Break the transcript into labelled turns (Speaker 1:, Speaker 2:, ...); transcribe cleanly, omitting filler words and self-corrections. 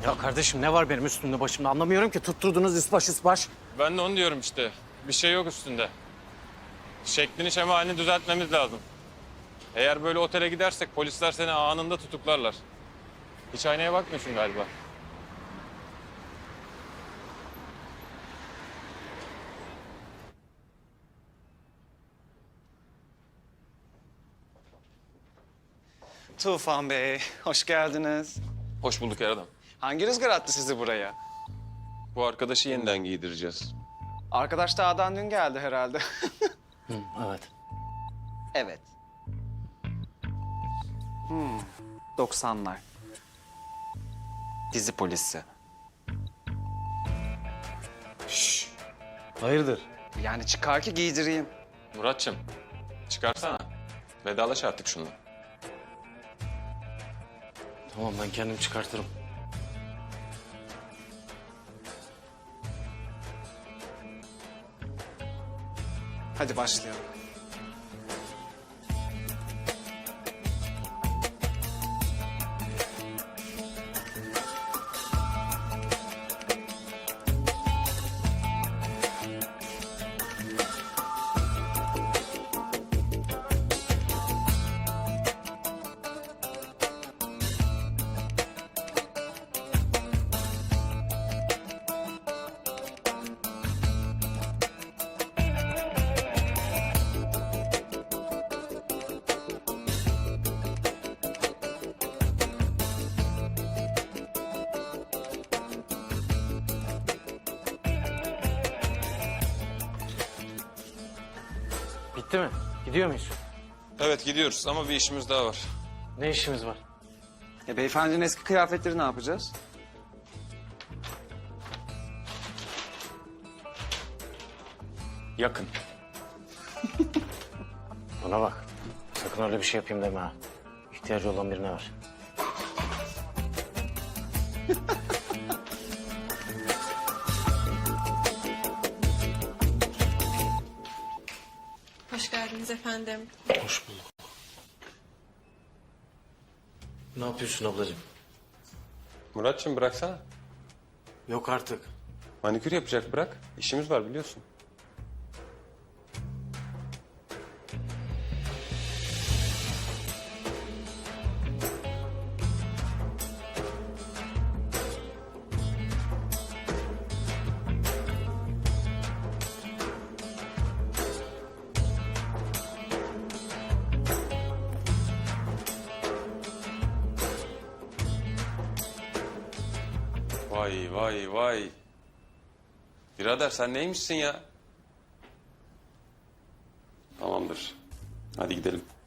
Speaker 1: Ya kardeşim ne var benim üstümde başımda anlamıyorum ki. Tutturdunuz ispaş ispaş.
Speaker 2: Ben de onu diyorum işte. Bir şey yok üstünde. Şeklini şemalini düzeltmemiz lazım. Eğer böyle otele gidersek polisler seni anında tutuklarlar. Hiç aynaya bakmıyorsun galiba.
Speaker 3: Tufan Bey, hoş geldiniz.
Speaker 2: Hoş bulduk her adam.
Speaker 3: Hangi rüzgar attı sizi buraya?
Speaker 2: Bu arkadaşı yeniden giydireceğiz.
Speaker 3: Arkadaş dağdan dün geldi herhalde.
Speaker 1: Evet.
Speaker 3: Evet. 90'lar. Dizi polisi.
Speaker 1: Hayırdır?
Speaker 3: Yani çıkar ki giydireyim.
Speaker 2: Muratçım, çıkarsana. Vedalaş artık şununla.
Speaker 1: Tamam ben kendim çıkartırım.
Speaker 3: Hadi başlayalım.
Speaker 1: Bitti mi? Gidiyor muyuz?
Speaker 2: Evet gidiyoruz ama bir işimiz daha var.
Speaker 1: Ne işimiz var?
Speaker 3: Beyefendinin eski kıyafetleri ne yapacağız?
Speaker 2: Yakın.
Speaker 1: Bana bak. Sakın öyle bir şey yapayım deme ha. İhtiyacı olan birine ver.
Speaker 4: Hoş geldiniz efendim.
Speaker 1: Hoş bulduk. Ne yapıyorsun ablacığım?
Speaker 2: Muratçım bıraksana.
Speaker 1: Yok artık.
Speaker 2: Manikür yapacak bırak. İşimiz var biliyorsun. Vay vay vay. Birader sen neymişsin ya? Tamamdır. Hadi gidelim.